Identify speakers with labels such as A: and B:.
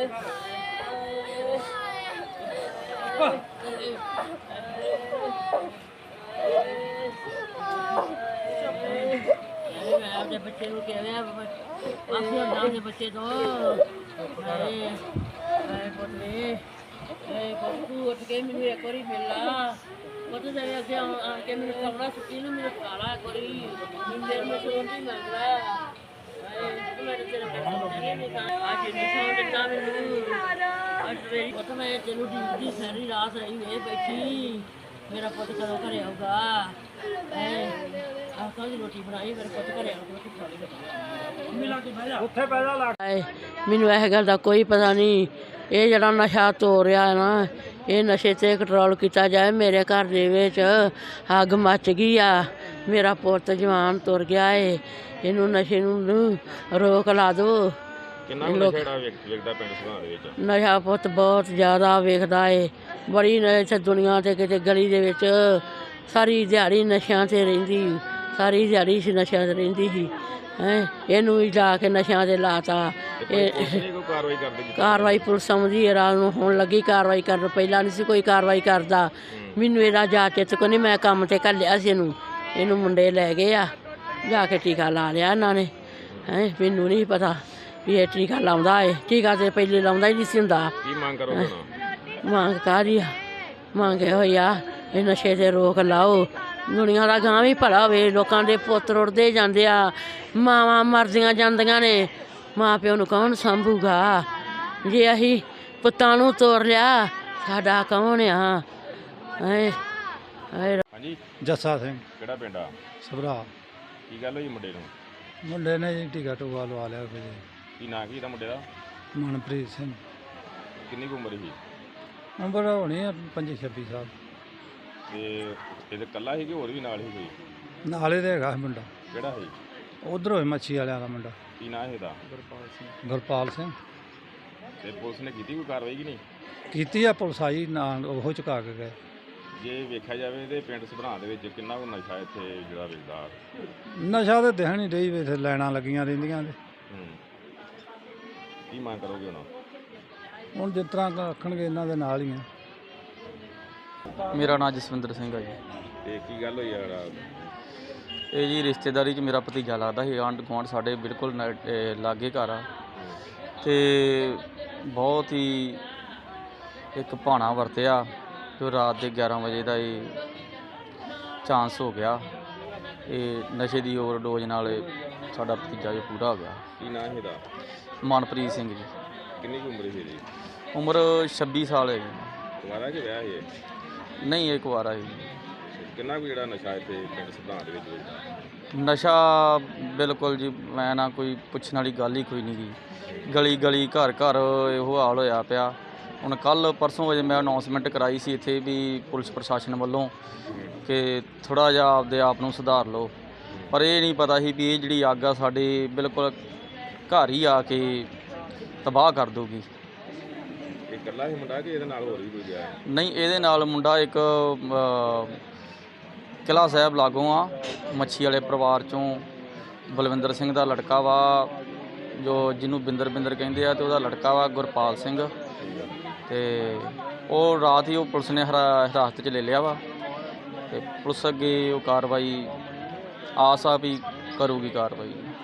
A: अपने बच्चे को कह रहे हैं बच्चे तो तू उठ के मैंने एक बार मिला पता चले अगे आके मैंने कमरा सुती ना मेरे काला एक बार नींद में सोन नहीं मिल रहा मेरे तेरे आज निशान दिता मैनू आज मेरी पता मैं तेनू दी सारी रात रही है बैठी मेरा पुत कदों घरे आऊगा आखा दी रोटी बनाई मेरे पुत घरे आऊगा मिला के बह जा उत्थे पैदा ला मैनू इस गल दा कोई पता नहीं ਇਹ ਜਿਹੜਾ ਨਸ਼ਾ ਤੋੜ ਰਿਹਾ ਨਾ ਇਹ ਨਸ਼ੇ 'ਤੇ ਕੰਟਰੋਲ ਕੀਤਾ ਜਾਏ। ਮੇਰੇ ਘਰ ਦੇ ਵਿੱਚ ਅੱਗ ਮੱਚ ਗਈ ਆ, ਮੇਰਾ ਪੁੱਤ ਜਵਾਨ ਤੁਰ ਗਿਆ ਏ, ਇਹਨੂੰ ਨਸ਼ੇ ਨੂੰ ਰੋਕ ਲਾ ਦਿਓ। ਨਸ਼ਾ ਪੁੱਤ ਬਹੁਤ ਜ਼ਿਆਦਾ ਵੇਖਦਾ ਏ, ਬੜੀ ਇੱਥੇ ਦੁਨੀਆ 'ਤੇ ਕਿਤੇ ਗਲੀ ਦੇ ਵਿੱਚ ਸਾਰੀ ਦਿਹਾੜੀ ਨਸ਼ਿਆਂ 'ਤੇ ਰਹਿੰਦੀ, ਸਾਰੀ ਦਿਹਾੜੀ ਨਸ਼ਿਆਂ 'ਤੇ ਰਹਿੰਦੀ ਸੀ। ਇਹਨੂੰ ਵੀ ਜਾ ਕੇ ਨਸ਼ਿਆਂ 'ਤੇ ਲਾਤਾ। ਕਾਰਵਾਈ ਪੁਲਿਸ ਆਉਂਦੀ ਹੈ ਰਾਤ ਨੂੰ, ਹੁਣ ਲੱਗੀ ਕਾਰਵਾਈ ਕਰਨ, ਪਹਿਲਾਂ ਨਹੀਂ ਸੀ ਕੋਈ ਕਾਰਵਾਈ ਕਰਦਾ। ਮੈਨੂੰ ਇਹਦਾ ਜਾ ਚਿੱਤ ਕੋ ਨਹੀਂ, ਮੈਂ ਕੰਮ 'ਤੇ ਘੱਲਿਆ ਸੀ ਇਹਨੂੰ ਮੁੰਡੇ ਲੈ ਗਏ ਆ, ਜਾ ਕੇ ਟੀਕਾ ਲਾ ਲਿਆ ਇਹਨਾਂ ਨੇ। ਮੈਨੂੰ ਨਹੀਂ ਪਤਾ ਵੀ ਇਹ ਟੀਕਾ ਲਾਉਂਦਾ ਏ, ਟੀਕਾ ਤਾਂ ਪਹਿਲੇ ਲਾਉਂਦਾ ਹੀ ਨਹੀਂ ਸੀ ਹੁੰਦਾ। ਮੰਗ ਕਾਹਦੀ ਆ, ਮੰਗ ਹੋਈ ਆ ਇਹ ਨਸ਼ੇ 'ਤੇ ਰੋਕ ਲਾਓ। ਦੁਨੀਆ ਦਾ ਗਾਂ ਵੀ ਭਲਾ ਹੋਵੇ, ਲੋਕਾਂ ਦੇ ਪੁੱਤ ਰੁੜਦੇ ਜਾਂਦੇ ਆ, ਮਾਵਾਂ ਮਰਦੀਆਂ ਜਾਂਦੀਆਂ ਨੇ, ਮਾਂ ਪਿਓ ਨੂੰ ਕੌਣ ਸਾਂਭੂਗਾ? ਜੇ ਅਸੀਂ ਪੁੱਤਾਂ ਨੂੰ ਤੋੜ ਲਿਆ ਸਾਡਾ ਕੌਣ ਆ?
B: ਹਾਂਜੀ
C: ਜੱਸਾ ਸਿੰਘ।
B: ਕਿਹੜਾ ਪਿੰਡ ਆ?
C: ਸਭਰਾ।
B: ਕੀ ਗੱਲ ਹੋਈ ਮੁੰਡੇ ਨੂੰ?
C: ਮੁੰਡੇ ਨੇ ਜੀ ਟੀਕਾ ਟੂਕਾ ਲਵਾ ਲਿਆ।
B: ਕੀ ਨਾਂ ਕੀ ਇਹਦਾ ਮੁੰਡੇ ਦਾ?
C: ਮਨਪ੍ਰੀਤ ਸਿੰਘ।
B: ਕਿੰਨੀ ਕੁ ਉਮਰ ਸੀ?
C: ਉਮਰ ਹੋਣੀ ਆ 25-26 ਸਾਲ।
B: ਤੇ ਇਹਦੇ ਇਕੱਲਾ ਸੀ ਕਿ ਹੋਰ ਵੀ ਨਾਲ ਹੀ ਕੋਈ?
C: ਨਾਲੇ ਦੇ ਹੈਗਾ ਮੁੰਡਾ।
B: ਕਿਹੜਾ ਸੀ?
C: ਉਧਰੋਂ ਮੱਛੀ ਵਾਲਿਆਂ ਦਾ ਮੁੰਡਾ।
B: ਕੀ ਨਾਂ ਇਹਦਾ?
C: ਗੁਰਪਾਲ ਸਿੰਘ।
B: ਤੇ ਪੁਲਿਸ ਨੇ ਕੀਤੀ ਕੋਈ ਕਾਰਵਾਈ ਕਿ ਨਹੀਂ?
C: ਕੀਤੀ ਆ, ਪੁਲਿਸ ਆਈ ਨਾਲ ਉਹ ਚੁਕਾ ਕੇ ਗਏ।
B: ਜੇ ਵੇਖਿਆ ਜਾਵੇ ਤੇ ਪਿੰਡ ਸਭਰਾਂ ਦੇ ਵਿੱਚ ਕਿੰਨਾ ਕੁ ਨਸ਼ਾ ਇੱਥੇ ਜਿਹੜਾ ਵੇਚਦਾ?
C: ਨਸ਼ਾ ਤਾਂ ਦਿਖਣ ਹੀ ਰਹੀ, ਇੱਥੇ ਲਾਈਨਾਂ ਲੱਗੀਆਂ ਰਹਿੰਦੀਆਂ ਨੇ।
B: ਕੀ ਮੰਗ ਕਰੋਗੇ
C: ਹੁਣ ਜਿਸ ਤਰ੍ਹਾਂ ਆਖਣਗੇ ਇਹਨਾਂ ਦੇ ਨਾਲ ਹੀ ਆ।
D: ਮੇਰਾ ਨਾਮ ਜਸਵਿੰਦਰ ਸਿੰਘ ਆ ਜੀ।
B: ਤੇ ਕੀ ਗੱਲ ਹੋਈ ਯਾਰ?
D: ਇਹ ਜੀ ਰਿਸ਼ਤੇਦਾਰੀ 'ਚ ਮੇਰਾ ਭਤੀਜਾ ਲੱਗਦਾ ਸੀ, ਆਂਢ ਗੁਆਂਢ ਸਾਡੇ ਬਿਲਕੁਲ ਲਾਗੇ ਘਰ ਆ, ਅਤੇ ਬਹੁਤ ਹੀ ਇੱਕ ਭਾਣਾ ਵਰਤਿਆ ਜੋ ਰਾਤ ਦੇ 11 ਵਜੇ ਦਾ ਇਹ ਚਾਂਸ ਹੋ ਗਿਆ। ਇਹ ਨਸ਼ੇ ਦੀ ਓਵਰਡੋਜ਼ ਨਾਲ ਸਾਡਾ ਭਤੀਜਾ ਜੋ ਪੂਰਾ ਹੋ ਗਿਆ।
B: ਕੀ ਨਾਂ ਇਹਦਾ?
D: ਮਨਪ੍ਰੀਤ ਸਿੰਘ ਜੀ।
B: ਕਿੰਨੀ ਕੁ ਉਮਰ ਸੀ ਇਹਦੀ?
D: ਉਮਰ 26 ਸਾਲ ਹੈ ਜੀ।
B: ਕੁਆਰਾ ਕਿ ਵਿਆਹ ਹੈ?
D: ਨਹੀਂ, ਇਹ ਕੁਆਰਾ ਹੈ ਜੀ।
B: ਕਿੰਨਾ ਕੁ ਜਿਹੜਾ ਨਸ਼ਾ ਇੱਥੇ ਪਿੰਡ ਸਭਰਾਂ ਦੇ ਵਿੱਚ ਵੇਚਦਾ?
D: ਨਸ਼ਾ ਬਿਲਕੁਲ ਜੀ, ਮੈਂ ਨਾ ਕੋਈ ਪੁੱਛਣ ਵਾਲੀ ਗੱਲ ਹੀ ਕੋਈ ਨਹੀਂ ਗੀ। ਗਲੀ ਗਲੀ ਘਰ ਘਰ ਇਹੋ ਹਾਲ ਹੋਇਆ ਪਿਆ। ਹੁਣ ਕੱਲ੍ਹ ਪਰਸੋਂ ਵਜੇ ਮੈਂ ਅਨਾਊਂਸਮੈਂਟ ਕਰਾਈ ਸੀ ਇੱਥੇ ਵੀ ਪੁਲਿਸ ਪ੍ਰਸ਼ਾਸਨ ਵੱਲੋਂ ਕਿ ਥੋੜ੍ਹਾ ਜਿਹਾ ਆਪਦੇ ਆਪ ਨੂੰ ਸੁਧਾਰ ਲਓ, ਪਰ ਇਹ ਨਹੀਂ ਪਤਾ ਸੀ ਵੀ ਇਹ ਜਿਹੜੀ ਅੱਗ ਆ ਸਾਡੇ ਬਿਲਕੁਲ ਘਰ ਹੀ ਆ ਕੇ ਤਬਾਹ ਕਰ ਦੂਗੀ।
B: ਇਹ ਇਕੱਲਾ ਹੀ ਮੁੰਡਾ ਕਿ ਇਹਦੇ ਨਾਲ ਹੋਰ ਵੀ ਕੋਈ ਗਿਆ?
D: ਨਹੀਂ, ਇਹਦੇ ਨਾਲ ਮੁੰਡਾ ਇੱਕ ਕਿਲ੍ਹਾ ਸਾਹਿਬ ਲਾਗੋਂ ਆ, ਮੱਛੀ ਵਾਲੇ ਪਰਿਵਾਰ 'ਚੋਂ ਬਲਵਿੰਦਰ ਸਿੰਘ ਦਾ ਲੜਕਾ ਵਾ, ਜੋ ਜਿਹਨੂੰ ਬਿੰਦਰ ਕਹਿੰਦੇ ਆ, ਅਤੇ ਉਹਦਾ ਲੜਕਾ ਵਾ ਗੁਰਪਾਲ ਸਿੰਘ। ਅਤੇ ਉਹ ਰਾਤ ਹੀ ਉਹ ਪੁਲਿਸ ਨੇ ਹਿਰਾਸਤ 'ਚ ਲੈ ਲਿਆ ਵਾ, ਅਤੇ ਪੁਲਿਸ ਅੱਗੇ ਉਹ ਕਾਰਵਾਈ ਆਸ ਆ ਵੀ ਕਰੂਗੀ ਕਾਰਵਾਈ।